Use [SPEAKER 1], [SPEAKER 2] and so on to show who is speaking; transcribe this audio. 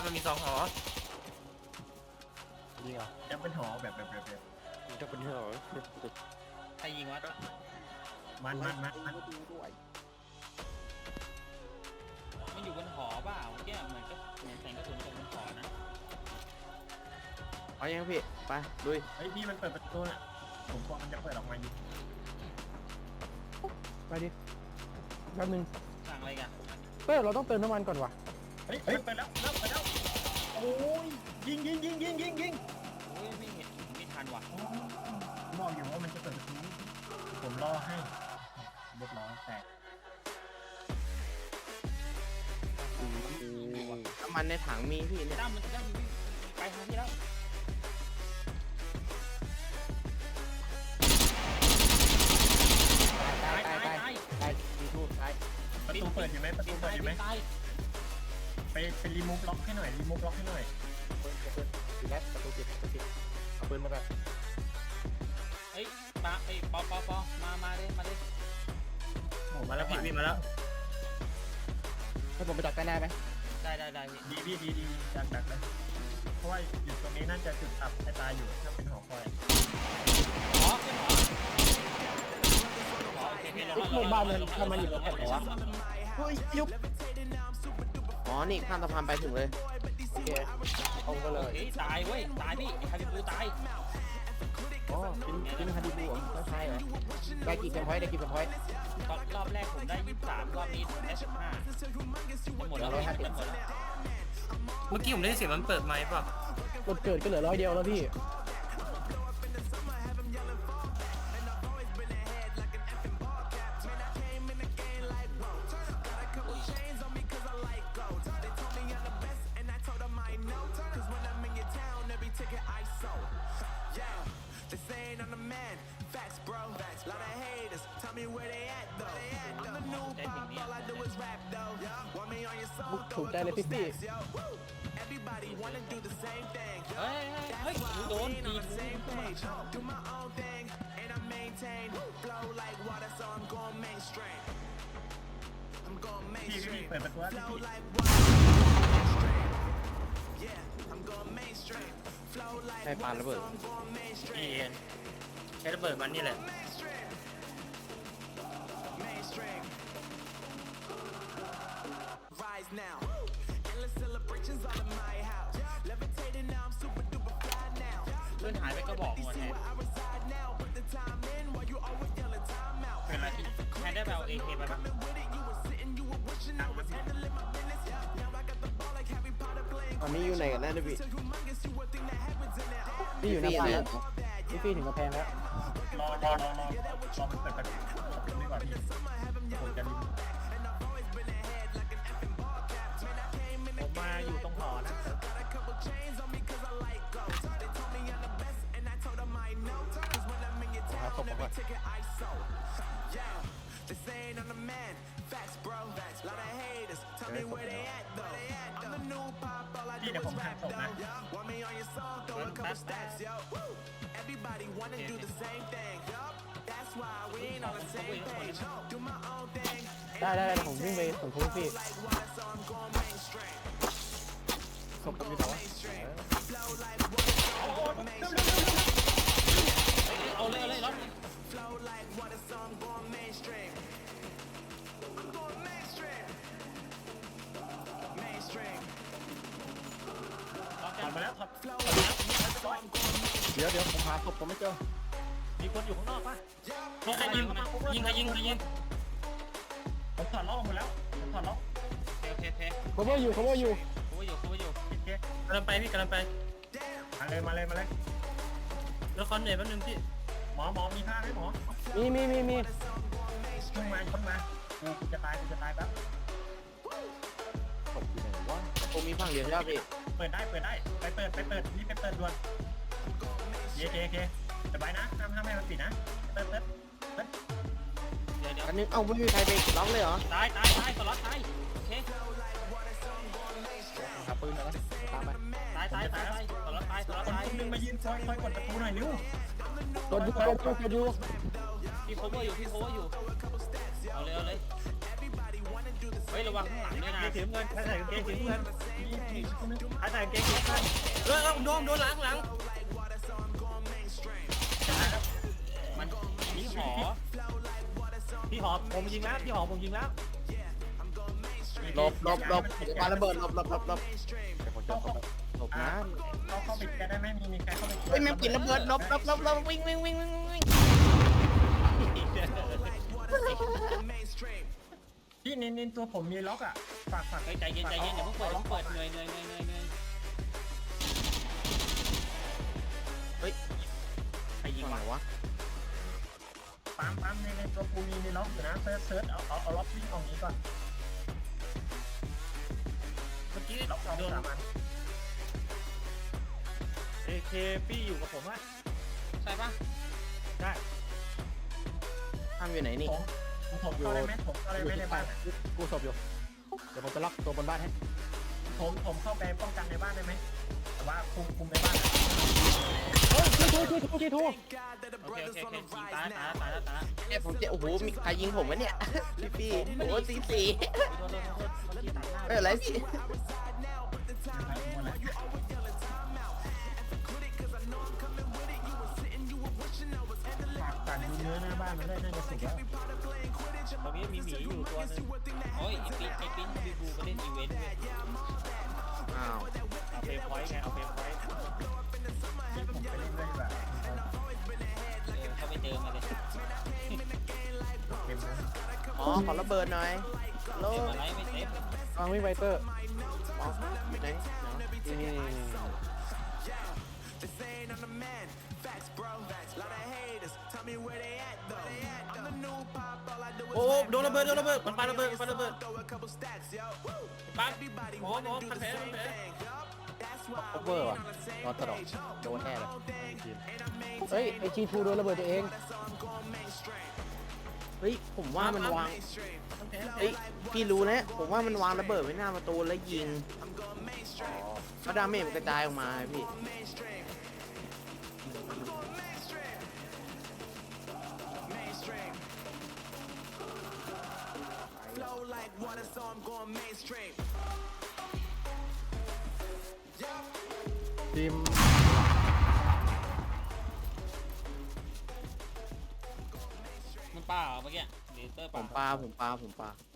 [SPEAKER 1] มันมี2 หอ
[SPEAKER 2] ยิงเหรอ
[SPEAKER 3] จะเป็นหอแบบ
[SPEAKER 2] จะเป็นเหรอ
[SPEAKER 4] ใครยิงวะ
[SPEAKER 3] มัน
[SPEAKER 2] ดูด้วย
[SPEAKER 4] มันอยู่บนหอเปล่าเมื่อกี้เหมือนแสงกระสุนตกบนหอนะ
[SPEAKER 2] เอายังพี่ไปลุย
[SPEAKER 3] เฮ้ยพี่มันเปิดประตูน่ะผมกลัวมันจะเปิดออกมาอยู่
[SPEAKER 5] ไปดิแป๊บนึง
[SPEAKER 4] สั่งอะไรกัน
[SPEAKER 5] เราต้องเติมน้ำมันก่อนว่ะ
[SPEAKER 3] เฮ้ยเปิดแล้วโอ้ยยิง
[SPEAKER 4] โอ้ยไม่เห็นไม่ทันว่ะ
[SPEAKER 3] บอกอยู่ว่ามันจะเปิดประตูผมรอให้เรียบร้อยแตก
[SPEAKER 2] น้ำมันในถังมีพี่เนี่ย
[SPEAKER 4] ตั้มมันจะยิงไปทางที่แล้ว
[SPEAKER 5] ตายดีทูบตาย
[SPEAKER 3] ประตูเปิดอยู่ไหมประตูเปิดอยู่ไหม
[SPEAKER 4] ตาย
[SPEAKER 3] ไปรีมูฟล็อกให้หน่อยรีมูฟล็อกให้หน่อย
[SPEAKER 5] ปิดแล้วประตูปิดเอาปืนมาแบบ
[SPEAKER 4] เฮ้ยปะไอ้ปอมาเลย
[SPEAKER 3] โอ้
[SPEAKER 1] มาแล้วพี่วิ่งมาแล้ว
[SPEAKER 5] ให้ผมไปดักใต้หน้าไหม
[SPEAKER 4] ได้พี่
[SPEAKER 3] ดีดักเลยเพราะว่าอยู่ตรงนี้น่าจะจุดอับไอตายอยู่ถ้าเป็นหอคอย
[SPEAKER 4] หอขึ้นหอโอเค
[SPEAKER 5] ไอ้พวกบ้านมันอยู่ตรงไหนวะเฮ้ยยุบ
[SPEAKER 2] อ๋อนี่ข้ามสะพานไปถึงเลย
[SPEAKER 5] โอเคเอาไปเลย
[SPEAKER 4] เฮ้ยตายเว้ยตายพี่ไอ้ฮาบิบูตาย
[SPEAKER 5] อ๋อกินฮาดิบูไม่ใช่เหรอได้กี่เฟรมพอยต์
[SPEAKER 4] รอบแรกผมได้23รอบนี้ได้15จะหมดแล้วจะหมดแล้ว
[SPEAKER 1] เมื่อกี้ผมได้ยินเสียงมันเปิดไมค์ป่ะ
[SPEAKER 5] กดเกิดก็เหลือ100 เดียวแล้วพี่ถูกใจเลยพี่
[SPEAKER 4] เฮ้ยโดนตี
[SPEAKER 3] พี่เปิดประตูพี่
[SPEAKER 2] ให้ปาระเบิด
[SPEAKER 1] พี่ใช้ระเบิดมันนี่แหละ
[SPEAKER 4] เพื่อนหายไปก็บอกหมดแทนเป็นไรที่แทนได้ไปเอาเอเคไปปะ
[SPEAKER 2] ตอนนี้อยู่ไหนกันแน่เนี่ยพี่
[SPEAKER 5] พี่อยู่หน้าบ้านแล้วพี่ถึงกระแพงแล้ว
[SPEAKER 3] รอมันเปิดประตูนี่ก่อนพี่ผมจะรีบผมมาอยู่ตรงหอนะ
[SPEAKER 5] ตบก่อน
[SPEAKER 3] พี่เดี๋ยวผมหักศพนะ
[SPEAKER 5] ได้ผมวิ่งไปส่งทุกพี่ศพผมอยู่ไหนวะ
[SPEAKER 4] เอาเลยรถ
[SPEAKER 3] ถอดมาแล้วถอด
[SPEAKER 5] เดี๋ยวผมหาศพผมไม่เจอ
[SPEAKER 3] มีคนอยู่ข้างนอกปะ
[SPEAKER 1] ใครยิงใครยิง
[SPEAKER 3] ผมถอดล็อกหมดแล้วผมถอดล็อก
[SPEAKER 4] โอเค
[SPEAKER 5] cover อยู่
[SPEAKER 4] กูว่าอยู่
[SPEAKER 3] โอเค
[SPEAKER 1] กำลังไปพี่กำลังไป
[SPEAKER 3] มาเลย
[SPEAKER 1] แล้วคอนเหนื่อยแป๊บนึงพี่
[SPEAKER 3] หมอมีผ้าไหมหมอ
[SPEAKER 5] มี
[SPEAKER 3] ช่วยมากูจะตายแป๊บ
[SPEAKER 2] ตกอยู่ไหนวะคงมีฝั่งเดียวใช่ไหมพี่
[SPEAKER 3] เปิดได้ไปเปิดนี่ไปเปิดด่วนเคสบายนะห้ามให้มันปิดนะเปิด
[SPEAKER 4] เดี๋ยว
[SPEAKER 2] อันนึงเอ้าไม่มีใครไปล็อกเลยเหรอ
[SPEAKER 4] ตายสล็อตตายโอเค
[SPEAKER 5] หาปืนมาแล้วตามไป
[SPEAKER 4] ตายสล็อตตาย
[SPEAKER 3] คนนึงมายืนคอยกดประตูหน่อยนิ้ว
[SPEAKER 5] กดอยู่
[SPEAKER 4] พี่ cover อยู่เอาเลยเฮ้ยระวังข้างหลังด้วยนะ
[SPEAKER 3] สีน้ำเงินใครใส่กางเกงสีน้ำเงินใครใส่กางเกงสีน้ำเงิน
[SPEAKER 1] โดนหลัง
[SPEAKER 4] มันนี่หอ
[SPEAKER 3] พี่หอมผมยิงแล้วพี่หอมผมยิงแล้ว
[SPEAKER 5] หลบปาระเบิดหลบ
[SPEAKER 2] เดี๋ยวผมจะเข้าไป
[SPEAKER 5] หลบนะ
[SPEAKER 3] เข้าไปแกได้ไหมมีใครเข้าไป
[SPEAKER 5] เฮ้ยแม่งปิดระเบิดหลบวิ่ง
[SPEAKER 3] พี่นินตัวผมมีล็อกอ่ะฝาก
[SPEAKER 4] เฮ้ยใจเย็นอย่าเพิ่งเปิดเหนื่อยเฮ้ยใครยิง
[SPEAKER 5] ฝั่งไหน
[SPEAKER 4] วะ
[SPEAKER 5] วะ
[SPEAKER 3] ปั๊มในตัวกูมีล็อกอยู่นะเซิร์ชเอาล็อกวิ่งออกนี้ก่อน
[SPEAKER 1] เมื่อกี้
[SPEAKER 3] ล็อก
[SPEAKER 1] โดน
[SPEAKER 3] สามัน
[SPEAKER 2] AK พี่อยู่กับผมอะ
[SPEAKER 4] ใช่ปะ
[SPEAKER 2] ได้
[SPEAKER 5] ทำอยู่ไหนนี่
[SPEAKER 3] ผมเข้าได้ไหมผมเข้าได้ไหมในบ้าน
[SPEAKER 2] กูศพอยู่เดี๋ยวผมจะล็อกตัวบนบ้านให้
[SPEAKER 3] ผมเข้าไปป้องกันในบ้านได้ไหมแต่ว่าคุมในบ้าน
[SPEAKER 2] เฮ้ยทู
[SPEAKER 4] โอเคยิงตายแล้ว
[SPEAKER 5] เนี่ยผมจะโอ้โหมีใครยิงผมวะเนี่ยพี่โอ้โหสี
[SPEAKER 4] โทษเมื่อกี้ตัดหน้า
[SPEAKER 5] อะไรพี่
[SPEAKER 3] ฝากดูเนื้อหน้าบ้านมันได้น่าจะสุกแล้ว
[SPEAKER 4] ตรงนี้มีหมีอยู่ตัวนึงโอ้ยไอ้ปิ้นบีบูมาเล่นอีเวนต์เว้ย
[SPEAKER 5] อ้าว
[SPEAKER 2] เอาเพย์พอยต์ไงเอาเพย์พอยต์
[SPEAKER 3] ผมไปเล่นด้วยแบบ
[SPEAKER 4] เขาไปเจอมาเลย
[SPEAKER 3] เต็มนะ
[SPEAKER 5] อ๋อขอระเบิดหน่อยโล
[SPEAKER 4] เจอมาไล่ไม่เซฟ
[SPEAKER 2] วางวิ่งไวเตอร์
[SPEAKER 5] อ๋ออยู่ไหน
[SPEAKER 2] นี่
[SPEAKER 1] โอ้โดนระเบิดมันปาระเบิดปั๊บหมอพันแผล
[SPEAKER 2] โคเวอร์ว่ะนอนตลอดโดนแน่เลยเฮ้ยไอจีทูโดนระเบิดตัวเอง
[SPEAKER 5] เฮ้ยผมว่ามันวางเฮ้ยพี่รู้แล้วผมว่ามันวางระเบิดไว้หน้าประตูแล้วยิงเพราะดาเมจมันกระจายออกมาไงพี่
[SPEAKER 2] ทีม
[SPEAKER 4] มันป้าเหรอเมื่อกี้เลเตอร์
[SPEAKER 5] ผ
[SPEAKER 4] ป้า
[SPEAKER 5] มปา